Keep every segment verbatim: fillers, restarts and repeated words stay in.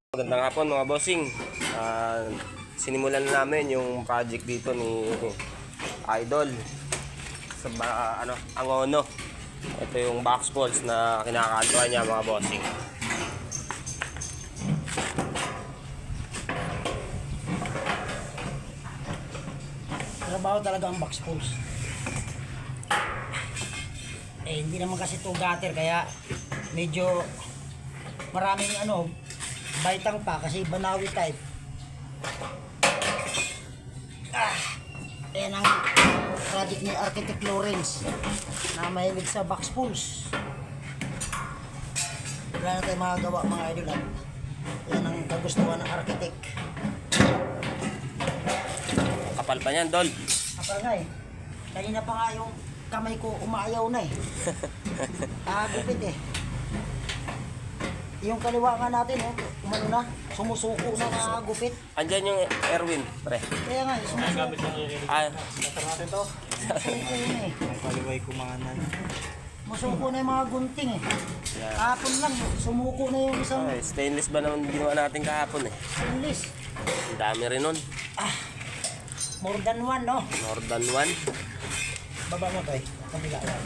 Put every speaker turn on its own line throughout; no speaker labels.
Magandang hapon mga bossing. Uh, sinimulan na namin yung project dito ni Idol sa uh, ano, Angono. Ito yung box balls na kinakantuan niya mga bossing.
Trabaho talaga ang box balls. Eh hindi naman kasi to gutter kaya medyo maraming ano baitang pa kasi Banawi type. Ah, yan ang project ni Architect Lawrence na mahilig sa box pools. Wala na tayong magagawa mga idol. Yan ang kagustuhan ng architect.
Kapal pa niyan, Dol.
Kapal nga eh. Kanina pa nga yung kamay ko umayaw na eh. Ah, gupit eh. Yung kaliwa nga natin, oh, umano na, sumusuko na mga gupit.
Andyan yung Erwin, pre.
Kaya nga, eh, sumusuko.
Ah,
Natar natin to.
Sumusuko na eh.
Ang kaliway kumanan.
Sumusuko na yung mga gunting eh.
yeah.
Kahapon lang, sumuko na yung isang
Okay, stainless ba naman ginawa natin kahapon eh?
stainless.
Ang dami rin nun.
Ah, more than one, no?
More than one.
Baba mo to eh. Kabila yan.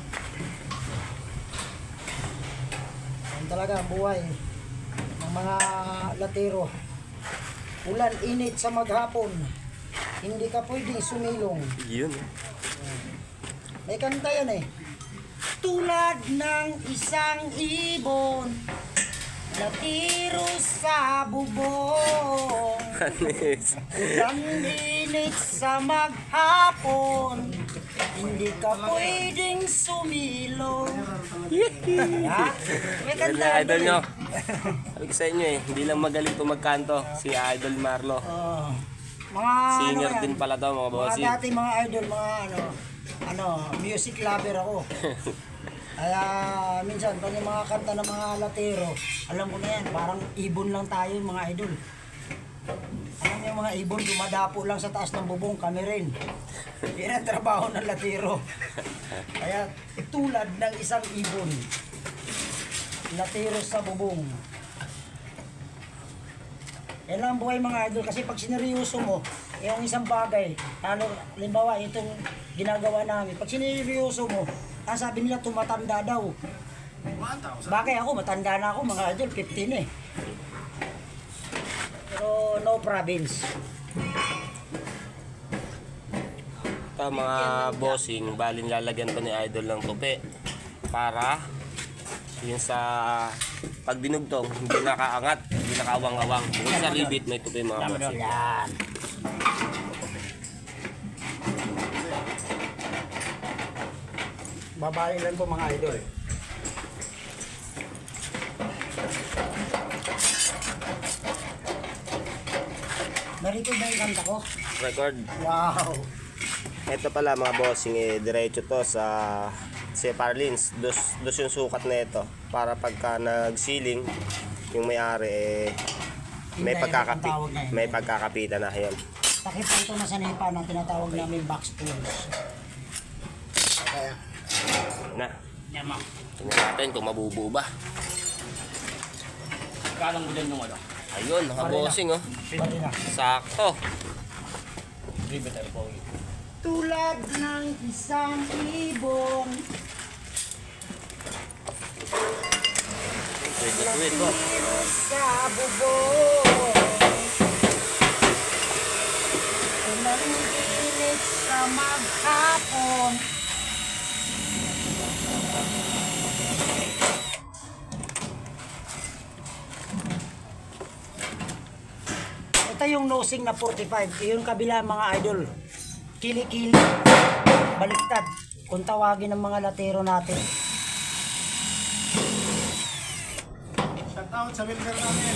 Yan talaga ang buhay ng mga latero. Ulan, init sa maghapon. Hindi ka pwedeng sumilong.
Yun.
May kanta yan eh. Tulad ng isang ibon, latiro sa bubong. Ulan, init sa maghapon, hindi ka pwedeng sumilong. Ha? May
Yan
kanta
na
yan
idol
eh.
nyo. Sabi ko sa inyo eh, hindi lang magaling po magkanto si Idol Marlo.
Oh, mga
Singer
ano yan,
din pala daw mga
mga
bossing.
dati mga idol, mga ano, ano, music lover ako. Kaya minsan pag yung mga kanta ng mga latero, alam ko na yan, parang ibon lang tayo mga idol. Alam niyo mga ibon, dumadapo lang sa taas ng bubong, kami rin. Yan ang trabaho ng latero. Kaya tulad ng isang ibon, latero sa bubong. Yan lang ang buhay mga idol, kasi pag sineryoso mo, yung isang bagay, ano, limbawa itong ginagawa namin, pag sineryoso mo, ang sabi nila tumatanda daw. Bagay ako, matanda na ako mga idol, fifteen eh. Pero no province.
Ito mga bossing, balin lalagyan ko ni Idol ng tupi para yun sa pag dinugtong hindi nakaangat, hindi nakawang-awang. Kung sa libit may tupi mga bossing.
Yan.
Babae lang po mga idol.
Narito ba yung kanta ko?
Record.
Wow.
Ito pala mga bossing, eh, diretso to sa si Parlins. Dos, dos yung sukat na ito para pagka nagsiling yung may-ari eh, may
Hindi,
pagkakapi,
ang tawag na yun.
may pagkakapitan na yun.
Takip po ito na sa nipa ng tinatawag namin box tools. Kaya,
Na,
yan mo.
tingnan natin kung mabubuo ba.
Kalang mo dyan yung ano?
Ayun, mga bossing oh.
Bali na.
Sakto.
Riveter po.
Tulad ng isang ibon,
Wait, wait, wait po.
latiro sa bubong. Ulan, init sa maghapon, ito yung nosing na forty-five. Yung kabila mga idol, kili-kili, baliktad kung tawagin ng mga latero natin.
Shout out sa welder namin.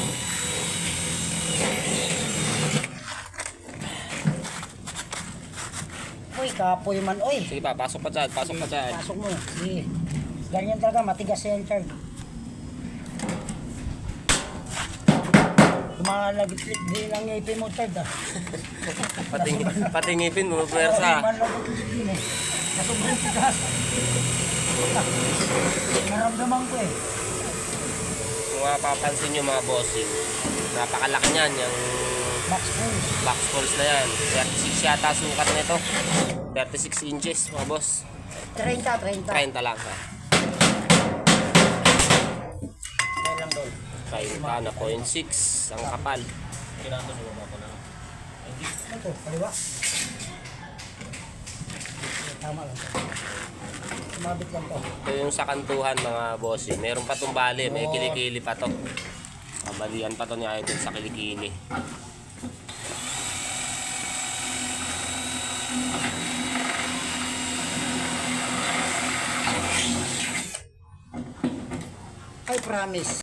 Uy, kapoy man, uy.
Sige pa, pasok pa dyan, pasok pa dyan.
Pasok mo. Sige. Ganyan talaga, matigas yan, Chard. Lumalagitlit din ang ngipin mo, Chard, ah.
Pati, pati ngipin mo, pwersa.
Lumalagitlit din eh. Sa sobrang tigas. Naramdaman ko eh.
mapapansin nyo mga bossing, napakalaki niyan, yung
Max Pulse.
box pulse na yan. thirty-six yata sukat nito. thirty-six inches mga boss.
thirty, thirty.
thirty lang ha.
Kaya lang doon.
thirty na point six ang kapal.
Ano to? Kaliwa? Tama lang to. Sumabit lang to.
Ito yung sa kantuhan mga bossing. Meron pa tong bali, may kilikili pa to. Kabalian pa to ni Idol sa kilikili.
I promise.